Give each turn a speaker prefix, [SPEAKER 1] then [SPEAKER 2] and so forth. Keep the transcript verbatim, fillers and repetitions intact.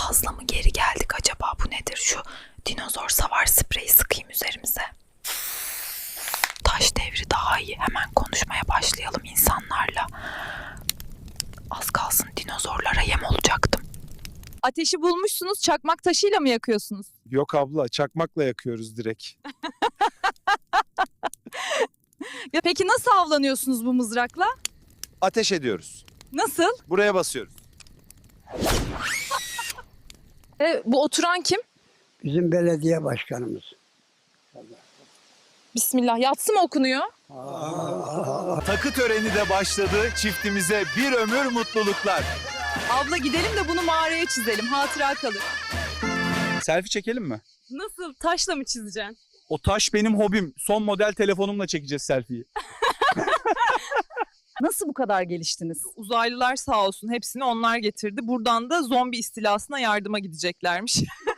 [SPEAKER 1] Fazla mı geri geldik acaba, bu nedir? Şu dinozor savar spreyi sıkayım üzerimize. Taş devri daha iyi. Hemen konuşmaya başlayalım insanlarla. Az kalsın dinozorlara yem olacaktım.
[SPEAKER 2] Ateşi bulmuşsunuz, çakmak taşıyla mı yakıyorsunuz?
[SPEAKER 3] Yok abla, çakmakla yakıyoruz direkt.
[SPEAKER 2] Ya peki nasıl avlanıyorsunuz bu mızrakla?
[SPEAKER 3] Ateş ediyoruz.
[SPEAKER 2] Nasıl?
[SPEAKER 3] Buraya basıyoruz.
[SPEAKER 2] E, bu oturan kim?
[SPEAKER 4] Bizim belediye başkanımız.
[SPEAKER 2] Bismillah. Yatsı mı okunuyor?
[SPEAKER 3] Takı töreni de başladı. Çiftimize bir ömür mutluluklar.
[SPEAKER 2] Abla gidelim de bunu mağaraya çizelim. Hatıra kalır.
[SPEAKER 5] Selfie çekelim mi?
[SPEAKER 2] Nasıl? Taşla mı çizeceksin?
[SPEAKER 5] O taş benim hobim. Son model telefonumla çekeceğiz selfie'yi.
[SPEAKER 2] Nasıl bu kadar geliştiniz?
[SPEAKER 6] Uzaylılar sağ olsun hepsini onlar getirdi. Buradan da zombi istilasına yardıma gideceklermiş.